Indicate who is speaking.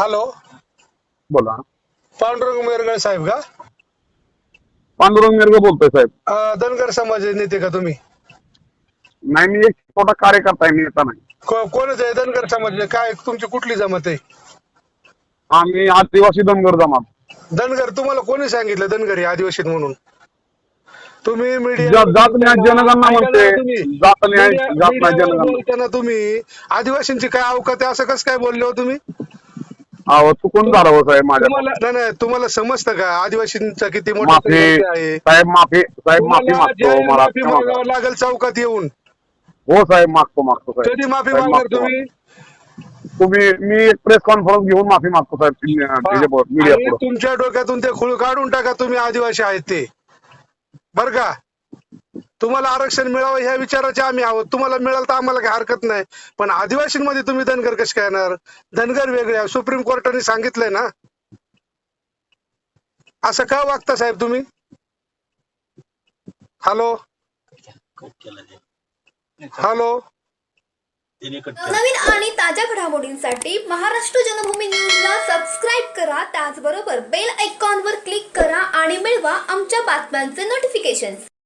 Speaker 1: Hello,
Speaker 2: बोला.
Speaker 1: पांडुरंग मेरगळ साहेब का?
Speaker 2: पांडुरंग मिरग बोलतोय साहेब.
Speaker 1: धनगर समाज नेते का तुम्ही?
Speaker 2: नाही, मी एक छोटा कार्यकर्ता आहे, मी येता नाही.
Speaker 1: कोणच आहे धनगर समाज? काय तुमची कुठली जमात आहे?
Speaker 2: आम्ही आदिवासी धनगर जमात.
Speaker 1: धनगर तुम्हाला कोणी सांगितलं धनगर हे आदिवासी म्हणून? तुम्ही
Speaker 2: जात न्याय जनगणना म्हणते. जात न्याय
Speaker 1: मीडियावर
Speaker 2: जनगणना.
Speaker 1: बोलताना तुम्ही आदिवासींची काय अवकात आहे असं कसं काय बोलले हो तुम्ही?
Speaker 2: अहो, चुकून झालं हो साहेब
Speaker 1: तुम्हाला
Speaker 2: माझ्या.
Speaker 1: नाही तुम्हाला समजतं का आदिवासींचा किती मोठा
Speaker 2: माफी
Speaker 1: संघर्ष आहे?
Speaker 2: साहेब, माफी साहेब, माफी
Speaker 1: तुम्हाला
Speaker 2: मागतो
Speaker 1: जाहीर
Speaker 2: मला
Speaker 1: माफी
Speaker 2: क्षमा करा.
Speaker 1: मागावं लागेल चौकात येऊन.
Speaker 2: हो साहेब, मागतो साहेब.
Speaker 1: कधी माफी
Speaker 2: साहेब
Speaker 1: मागणार
Speaker 2: मागतो.
Speaker 1: तुम्ही?
Speaker 2: मी एक प्रेस कॉन्फरन्स घेऊन माफी मागतो साहेब मीडिया
Speaker 1: आणि
Speaker 2: पुढे.
Speaker 1: तुमच्या डोक्यातून ते खूळ काढून टाका, तुम्ही आदिवासी आहेत ते. बर का? तुम्हाला आरक्षण मिळावं ह्या विचाराचे आम्ही आहोत. तुम्हाला मिळालं तर आम्हाला काही हरकत नाही, पण आदिवासींमध्ये तुम्ही धनगर कसे काय येणार? धनगर वेगळे, सुप्रीम कोर्टाने सांगितलंय ना. असं का वागता साहेब तुम्ही? हॅलो हॅलो,
Speaker 3: नवीन आणि ताज्या घडामोडींसाठी महाराष्ट्र जनभूमी न्यूजला सबस्क्राईब करा. त्याचबरोबर बेल आयकॉनवर क्लिक करा आणि मिळवा आमच्या बातम्यांचे नोटिफिकेशन.